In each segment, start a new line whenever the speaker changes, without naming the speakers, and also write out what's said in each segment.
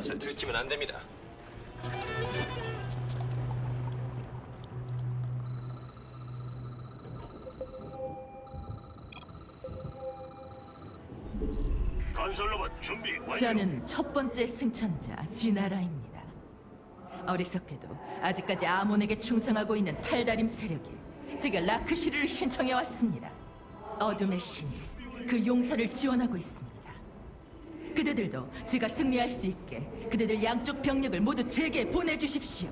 것을 들키면 안 됩니다.
건설로봇 준비 완료.
저는 첫 번째 승천자 지나라입니다. 어리석게도 아직까지 아몬에게 충성하고 있는 탈다림 세력이 제가 라크시르를 신청해 왔습니다. 어둠의 신이 그 용사를 지원하고 있습니다. 그대들도 제가 승리할 수 있게 그대들 양쪽 병력을 모두 제게 보내주십시오.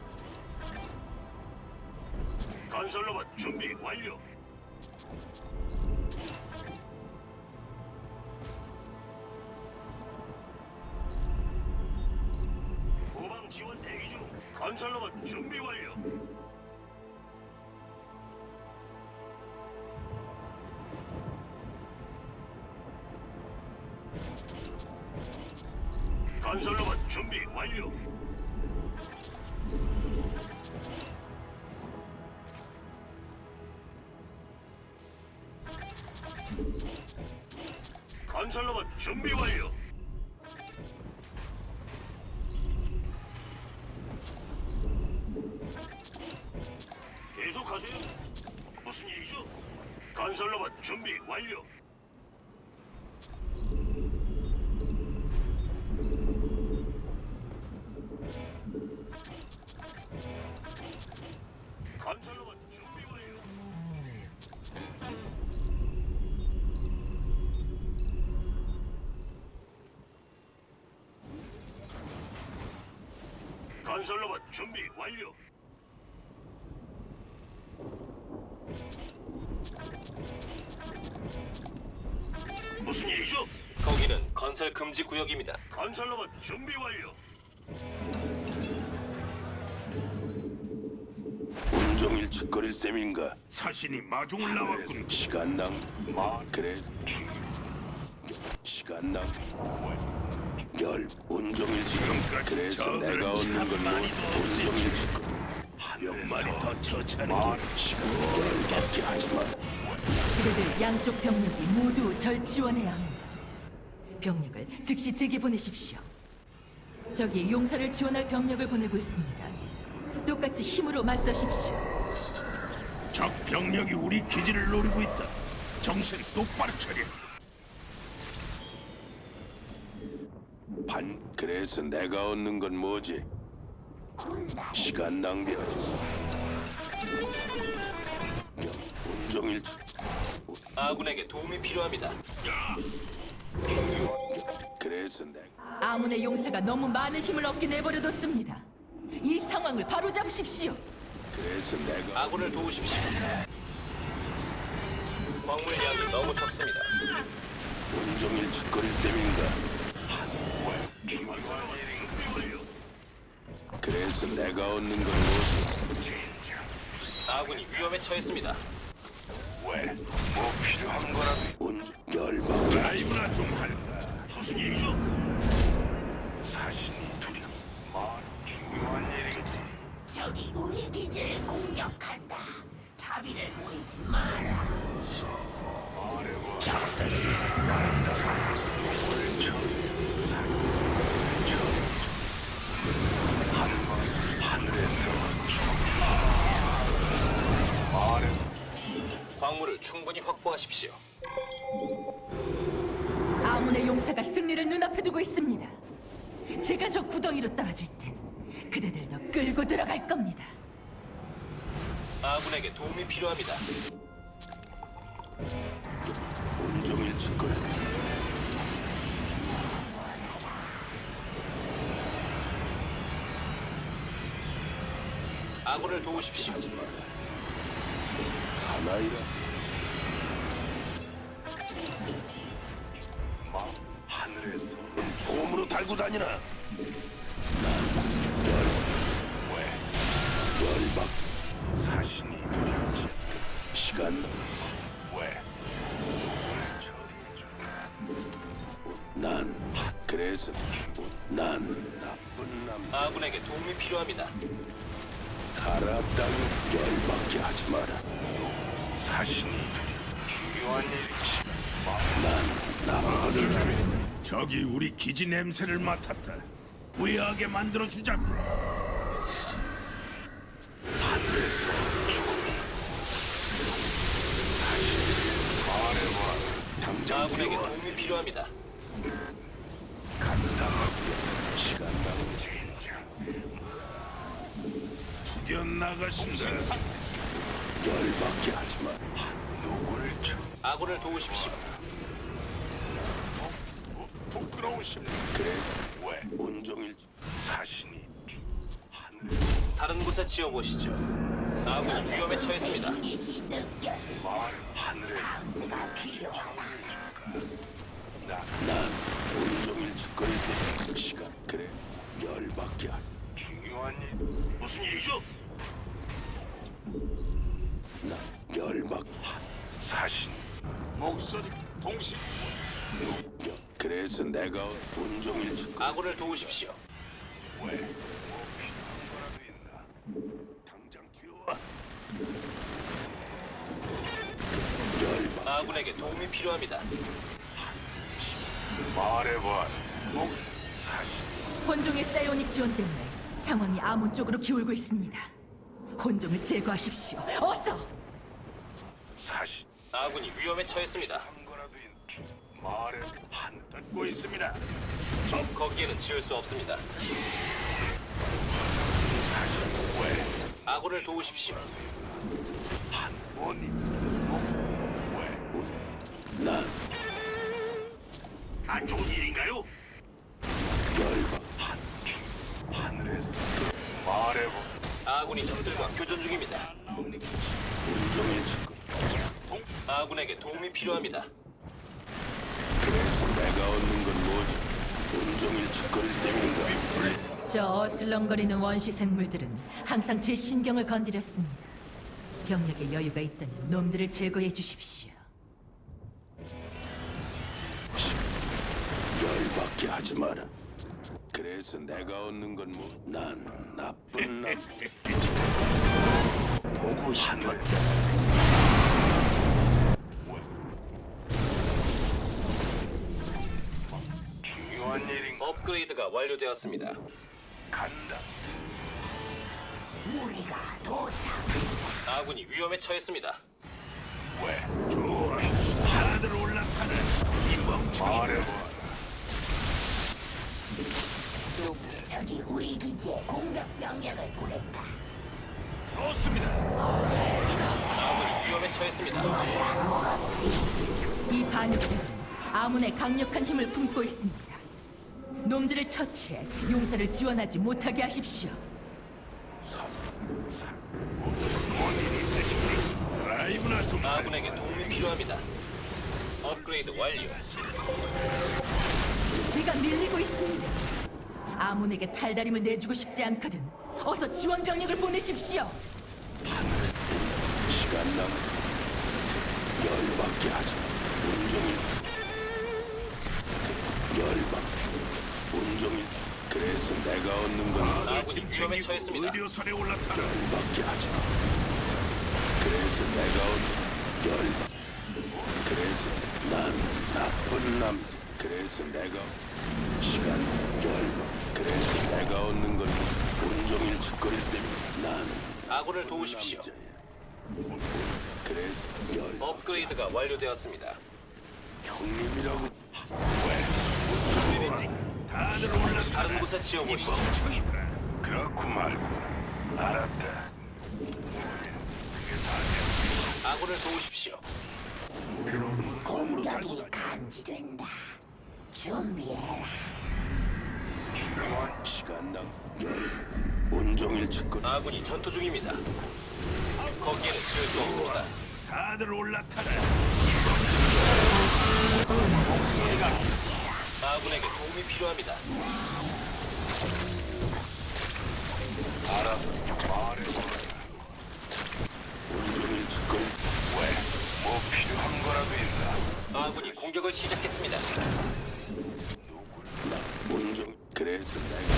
건설로봇 준비 완료. 후방 지원 대기 중. 건설로봇 준비 완료. 건설로봇 준비 완료. 건설로봇 준비 완료. 계속하세요. 무슨 일이죠? 건설로봇 준비 완료. 건설로봇 준비 완료. 건설로봇 준비 완료. 무슨 일이죠?
거기는 건설 금지 구역입니다.
건설로봇 준비 완료.
온종일 짓거릴 셈인가?
사신이 마중을 나왔군.
시간 낭. 그래. 시간 낭. 열 온종일 지금 그래서 내가 얻는 건 뭐? 온종일 짓거. 몇 마리 더 처치하는 게 시간 열받게 하지 마.
그대들 양쪽 병력이 모두 절 지원해야 합니다. 병력을 즉시 제게 보내십시오. 저기 용사를 지원할 병력을 보내고 있습니다. 똑같이 힘으로 맞서십시오.
적 병력이 우리 기지를 노리고 있다. 정신 똑바로 차려.
그래서 내가 얻는 건 뭐지? 시간 낭비하지 마. 온종일
아군에게 도움이 필요합니다.
그래서 내가
아문의 용사가 너무 많은 힘을 얻게 내버려뒀습니다. 이 상황을 바로잡으십시오.
그래서 내가
아군을 도우십시오. 광물량이 너무 적습니다.
온종일 짓거릴 셈인가? 그래서 내가 얻는 건 뭐지?
아군이 위험에 처했습니다.
왜? 뭐 필요한 거라도
온 열받게
라이브나 좀 할까? 무슨 일이죠? 사신이 두려. 중요한 일이겠지.
적이 우리 기지를 공격한다. 자비를 보이지 마라. 격들지
광물을 충분히 확보하십시오.
아문의 용사가 승리를 눈앞에 두고 있습니다. 제가 저 구덩이로 떨어질 땐 그대들도 끌고 들어갈 겁니다.
아군에게 도움이 필요합니다.
온종일 짓거릴
아군을 도우십시오.
사나이라
하늘에서
봄으로 달고 다니나? 열받
사신이 두렵지.
시간
왜?
난 그래서 난 나쁜 남
아군에게 도움이 필요합니다.
알았다고 열받게 하지 마라.
사신이 중요한 일이지.
난 나쁜 남
적이 우리 기지 냄새를 맡았다. 후회하게 만들어 주자고.
당장
아군에게
뛰어와.
도움이 필요합니다.
시간 낭비.
투견 나가신다.
열받게 하지 마.
아군을 도우십시오.
부끄러우십니다.
그래. 왜? 온종일
자신이
다른 곳에 지어보시죠. 아군이 위험에 처했습니다.
이시 느껴진다. 감지가 필요하다.
난 온종일 짓거릴 수 시간. 그래. 열받게 하.
중요한 일. 무슨 일이죠?
난 열받.
사신 목소리 동시.
그래서 내가 온종일 짓거.
아군을 도우십시오.
왜?
당장 뛰어와. 열받.
아군에게 도움이 필요합니다.
말해봐.
혼종의 사이오닉 지원 때문에 상황이 아몬 쪽으로 기울고 있습니다. 혼종을 제거하십시오. 어서!
사신
아군이 위험에 처했습니다.
한 거라도 말해 한 듣고 있습니다.
거기에는 지을 수 없습니다. 아군을 도우십시오.
원이
난
안 좋은 일인가요?
열받.
하늘에서 말해봐.
아군이 적들과 교전 중입니다.
온종일 짓거.
아군에게 도움이 필요합니다.
그래서 내가 얻는 건 뭐지? 온종일 짓거릴 셈인가?
저 어슬렁거리는 원시 생물들은 항상 제 신경을 건드렸습니다. 병력에 여유가 있다면 놈들을 제거해 주십시오.
열받게 하지 마라. 그래서 내가 얻는 건 뭐? 난 나쁜 남. 보고 싶었다.
중요한 일인
업그레이드가 완료되었습니다.
간다.
우리가 도착한다.
아군이 위험에 처했습니다.
왜? 좋아. 다들 올라타라. 이 멍청이. 말해봐.
적이 우리 기지에 공격 명령을 보냈다.
좋습니다.
아군이 위험에 처했습니다.
이 반역자는 아몬의 강력한 힘을 품고 있습니다. 놈들을 처치해 용사를 지원하지 못하게 하십시오.
뭔일 있으십니까? 라이브나 좀
아군에게 도움이 필요합니다. 업그레이드 완료.
제가 밀리고 있습니다. 아몬에게 탈다림을 내주고 싶지 않거든. 어서 지원 병력을 보내십시오.
시간 남. 열받게 하지 마. 온종일. 열받. 온종일. 그래서 내가 얻는 건
아군이 위험에 처했습니다.
의료선에 올라타라.
열받게 하지 마. 그래서 내가 얻는 열받. 그래서 난 나쁜 남자. 그래서 내가 시간 열받. 그래서 내가 얻는 건 온종일 짓거릴 셈이야. 난
아군을 도우십시오.
남자야. 그래서 열
업그레이드가 완료되었습니다.
형님이라고.
다들 올라타라.
다른 곳에 지어보시죠.
멍청이들아. 그렇구만. 알았다.
아군을 도우십시오.
공격이 감지된다. 준비해라.
시간 낭. 열 온종일 짓거릴.
아군이 전투 중입니다. 거기에는 지을 수 없습니다.
다들 올라타라.
아군에게 도움이 필요합니다.
알았어. 말해봐.
온종일 짓거릴.
왜? 뭐 필요한 거라도 있나?
아군이 공격을 시작했습니다.
나 온종. 그래서 내가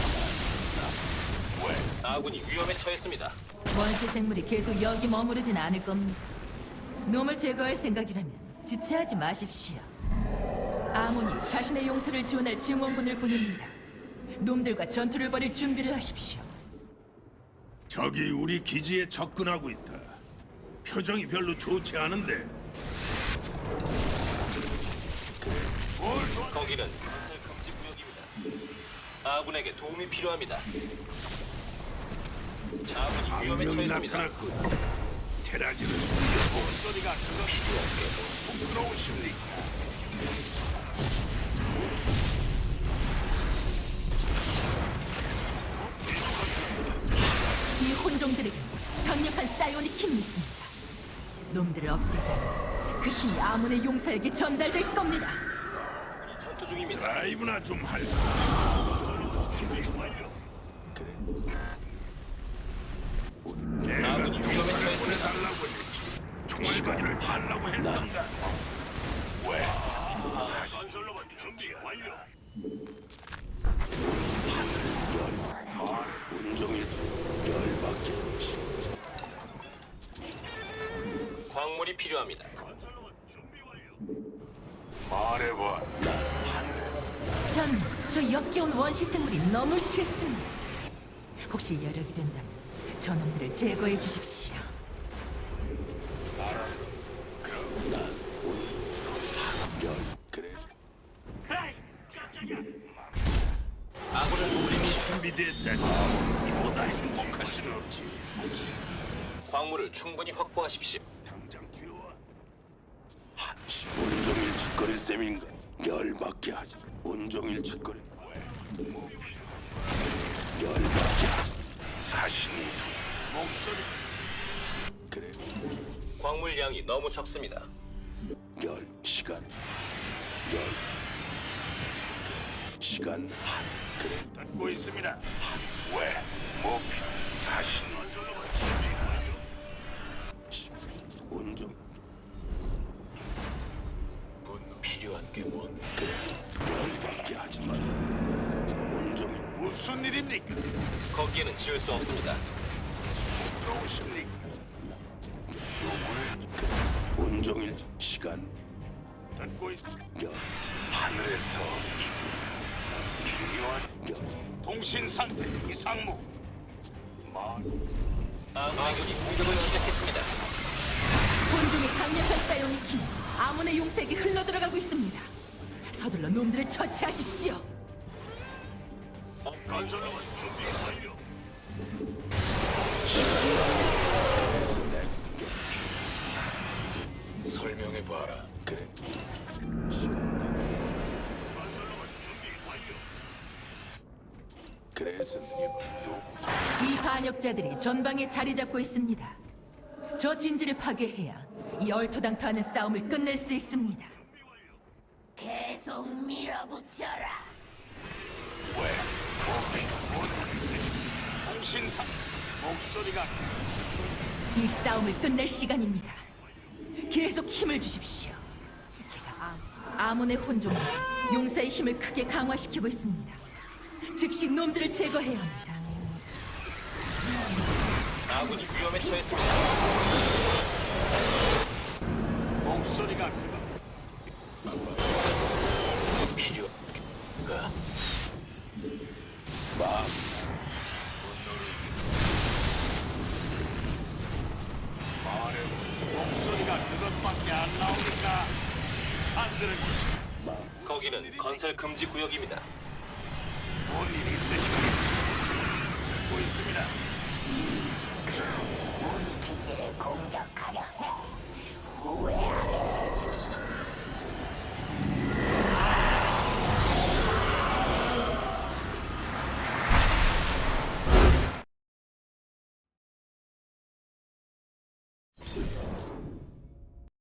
왜?
아군이 위험에 처했습니다.
원시 생물이 계속 여기 머무르진 않을 겁니다. 놈을 제거할 생각이라면 지체하지 마십시오. 아몬이 자신의 용사를 지원할 증원군을 보냅니다. 놈들과 전투를 벌일 준비를 하십시오.
적이 우리 기지에 접근하고 있다. 표정이 별로 좋지 않은데.
거기는 건설 금지 구역입니다. 아군에게 도움이 필요합니다. 자군이 위험에
악명이
처했습니다.
나타났군. 테라지를 숨겨. 목소리가 그거 부끄러우십니까?
이 혼종들에게 강력한 사이오닉 힘이 있습니다. 놈들을 없애자면 그 힘이 아몬의 용사에게 전달될 겁니다.
전투 중입니다.
라이브나 좀 할까? 내가
아군이 위험에
병사를
처했습니다.
보내달라고 했지. 총알바지를 달라고 했던가. 왜? 건설로만 준비 완료. 온종일 열받게.
광물이 필요합니다.
말해봐.
저 역겨운 원시 생물이 너무 싫습니다. 혹시 여력이 된다면 저놈들을 제거해 주십시오.
그래.
아군을 도우십시오.
준비됐다니. 이보다 행복할 수는 없지.
광물을 충분히 확보하십시오.
당장 튀어와. 온종일 짓거릴 셈인가? 열받게 하지. 온종일 짓거리. 열받게 하지. 사신이 목소리. 그래.
광물 양이 너무 적습니다.
시간. 시간. 그래. 듣고 있습니다. 왜? 목표. 사신. 온종.
분노 필요한 게 뭔?
그래. 열받게 하지 마. 온종일 무슨 일입니까?
거기에는 지을 수 없습니다.
들어오십니까? 온종일 시간. 듣고 있. 하늘에서 중요한 통신 상태 이상무.
아군이 공격을 시작했습니다.
혼종의 강력한 사이오닉 힘이 아몬의 용사에게 흘러들어가고 있습니다. 서둘러 놈들을 처치하십시오.
건설로만 준비 완료.
설명해 봐라.
그래. 그래서
이 반역자들이 전방에 자리 잡고 있습니다. 저 진지를 파괴해야 이 얼토당토하는 싸움을 끝낼 수 있습니다.
계속 밀어붙여라.
통신상 목소리가
이 싸움을 끝낼 시간입니다. 계속 힘을 주십시오. 제가 아몬의 혼종과 용사의 힘을 크게 강화시키고 있습니다. 즉시 놈들을 제거해야 합니다.
아군이 위험에 처했습니다.
목소리가 그거.
필요가
목소리가 그것밖에 안 나오니까 안 들은.
거기는 건설 금지 구역입니다.